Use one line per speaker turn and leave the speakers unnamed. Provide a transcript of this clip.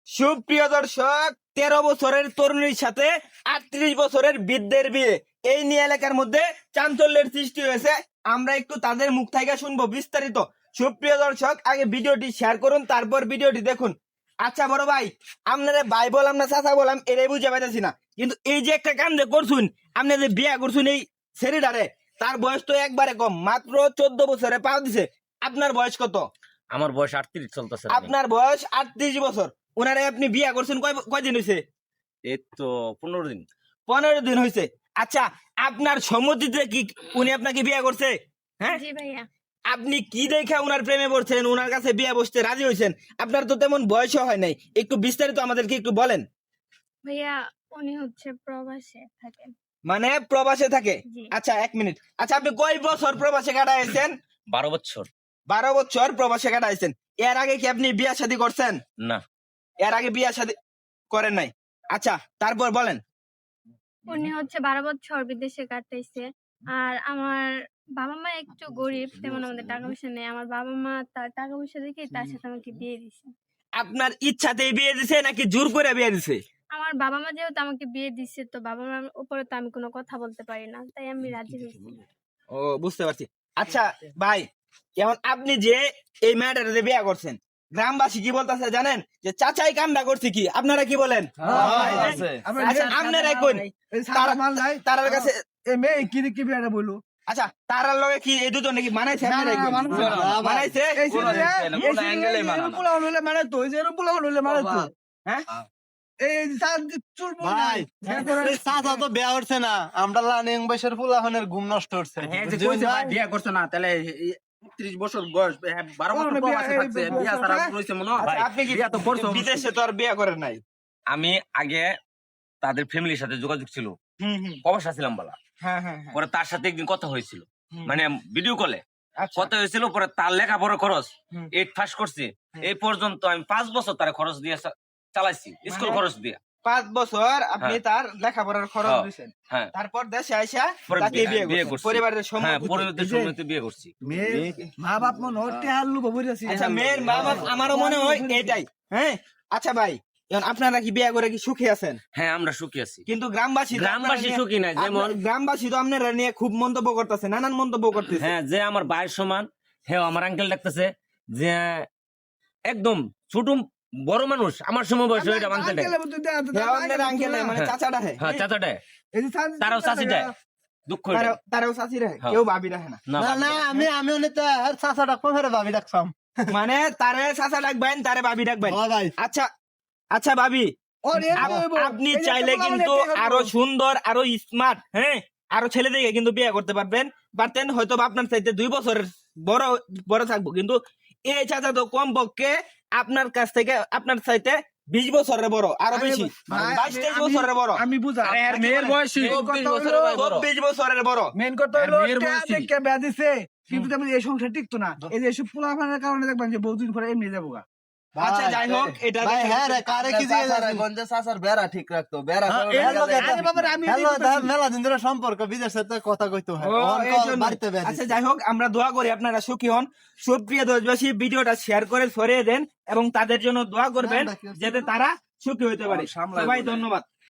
সুপ্রিয় দর্শক, 13 বছরের তরুণীর সাথে 38 বছরের বৃদ্ধের বিয়ে, এই নিয়ে এলাকার মধ্যে চাঞ্চল্যের সৃষ্টি হয়েছে। আমরা একটু তাদের মুখ থেকে শুনবো বিস্তারিত। সুপ্রিয় দর্শক, আগে ভিডিওটি শেয়ার করুন, তারপর ভিডিওটি দেখুন। আচ্ছা বড় ভাই, আপনারা ভাই বললাম না চাচা বললাম এটাই বুঝে পাইতেছি না, কিন্তু এই যে একটা কাম যে করছুন, আপনি যে বিয়ে করছুন এই ছেলেটারে, তার বয়স তো একবারে কম, মাত্র 14 বছরে পা দিছে। আপনার বয়স কত?
আমার বয়স 38 চলতেছে।
আপনার বয়স 38 বছর। ওনারে আপনি বিয়ে করছেন কয়দিন হয়েছে?
এই তো 15 দিন।
15 দিন হয়েছে। আচ্ছা, আপনার সম্মতিতে কি উনি আপনাকে বিয়ে করছে? হ্যাঁ
জি ভাইয়া।
আপনি কি দেখে উনার প্রেমে পড়ছেন, উনার কাছে বিয়ে বসতে রাজি হয়েছেন? আপনার তো তেমন বয়সও হয় নাই, একটু বিস্তারিত আমাদেরকে একটু বলেন।
ভাইয়া উনি হচ্ছে প্রবাসে থাকেন।
মানে প্রবাসে থাকে?
জি।
আচ্ছা 1 মিনিট। আচ্ছা, আপনি কয় বছর প্রবাসে কাটাইছেন?
12 বছর।
12 বছর প্রবাসে কাটাইছেন। এর আগে কি আপনি বিয়ে শাদী করছেন?
না।
এর আগে বিয়ে শাদী করেন নাই? আচ্ছা, তারপর বলেন।
উনি হচ্ছে 12 বছর বিদেশে কাটাইছে। আর আমার বাবা মা একটু গরিব, তেমন আমাদের টাকা পয়সা নেই। আমার বাবা মা তার টাকা পয়সা দেখে তার সাথে আমাকে বিয়ে দিছে।
আপনার ইচ্ছাতেই বিয়ে দিছে নাকি জোর করে বিয়ে দিছে?
আমার বাবা মা যেহেতু আমাকে বিয়ে দিছে, তো বাবা মার উপরে তো আমি কোনো কথা বলতে পারি না, তাই আমি রাজি হয়েছি।
ও, বুঝতে পারছি। আচ্ছা ভাই, এখন আপনি যে এই মেয়েটার যে বিয়ে করছেন, গ্রামবাসী কি বলতেছে জানেন? যে চাচাই কামটা করছে কি, আপনারা কি বলেন? আচ্ছা, আপনারাই কোন তারার কাছে? আচ্ছা, তারার লগে কি এই দুজন নাকি মানাইছে? আপনারাই কোন? মানাইছে? হ্যাঁ
ভাই, চাচা তো বিয়া করছে না, আমরা লানিং বয়সের ফুলাফানের ঘুম নষ্ট হচ্ছে।
হ্যাঁ, যে কইছে ভাই বিয়া করছে না, তাহলে 30 বছর বয়স, 12 বছর প্রবাসে থাকছে, বিয়া ছাড়া রইছে মনে হয়।
আচ্ছা, আপনি কি
বিয়া তো করছো
বিদেশে তো আর বিয়ে করেন নাই?
আমি আগে তাদের ফ্যামিলির সাথে যোগাযোগ ছিল,
হুম হুম,
প্রবাসে ছিলাম বলা।
হ্যাঁ হ্যাঁ হ্যাঁ।
পরে তার সাথে একদিন কথা হয়েছিল,
হুম।
মানে ভিডিও কলে
আচ্ছা,
কথা হয়েছিল। পরে তার লেখাপড়া খরচ
হুম।
8 পাস করছি, এই পর্যন্ত আমি 5 বছর তার খরচ দিয়ে চালাইছি, স্কুল
মানে?
খরচ দিয়ে।
5 বছর আপনি
হ্যাঁ।
তার লেখাপড়ার খরচ
হ্যাঁ।
দিয়েছেন।
হ্যাঁ,
তারপর দেশে আইসা
পরে
তাকে বিয়ে
বিয়ে
করছেন
করছি।
পরিবারের
হ্যাঁ,
সম্মতিতে।
পরিবারের সম্মতিতে বিয়ে করছি।
মা বাপ মনে হচ্ছে হাল্লু বাবুর আছে।
আচ্ছা, মেয়ের মা বাপ আমারও মনে হয় এটাই। হ্যাঁ, আচ্ছা ভাই, এখন আপনারা কি বিয়ে করে কি সুখী আছেন?
হ্যাঁ, আমরা সুখী আছি।
কিন্তু গ্রামবাসী
গ্রামবাসী সুখী নাই, যেমন
গ্রামবাসী তো আপনারা নিয়ে খুব মন্তব্য করতেছে, নানান মন্তব্য করতেছে।
হ্যাঁ, যে আমার ভাইয়ের সমান, হ্যাঁ আমার আঙ্কেল ডাকতেছে, যে একদম ছোট বড় মানুষ আমার সময় বয়স হয়ে আঙ্কেল ডাকে।
আপনার আঙ্কেল মানে
হ্যাঁ।
চাচা ডাহে?
হ্যাঁ, চাচাটা তারাও চাচি দেয়, দুঃখ এটা।
তারাও চাচি রাখে,
হ্যাঁ।
কেউ ভাবি রাখে না।
না,
না না, আমি অনেক চাচা ডাকবো, ফেরে ভাবি ডাকছাম।
মানে তারে চাচা ডাকবেন, তারে ভাবি ডাকবেন।
ভাই,
আচ্ছা আচ্ছা ভাবি, আপনি চাইলে কিন্তু আরো সুন্দর, আরো স্মার্ট, হ্যাঁ, আরো ছেলেদেরকে কিন্তু বিয়ে করতে পারতেন হয়তো বা আপনার চাইতে 2 বছরের বড় বড় থাকবো, কিন্তু এই চাচা তো কম পক্ষে আপনার কাছ থেকে, আপনার চাইতে 20 বছরের বড়, আরো বেশি 22-23 বছরের বড়।
আমি বুঝা
মেয়ের বয়স
24 বছরের ভাই বড়।
24 বছরের বড়।
মেন কথা হলো
মেয়ের বয়সী।
বেয়া দিছে, কিন্তু তেমন এই সংসার টিকতো না। এই যে এসব পোলাপানের কারণে দেখবেন যে বহুদিন পরে এমনি যাবো গা।
আচ্ছা যাই হোক, এটা
মেলা দিন ধরে সম্পর্ক বিদেশের সাথে কথা কইতে হয়।
ও, এই জন্য। আচ্ছা যাই হোক, আমরা দোয়া করি আপনারা সুখী হন। সুপ্রিয় দেশবাসী, ভিডিওটা শেয়ার করে ছড়িয়ে দেন এবং তাদের জন্য দোয়া করবেন যাতে তারা সুখী হইতে পারে। সবাই ধন্যবাদ।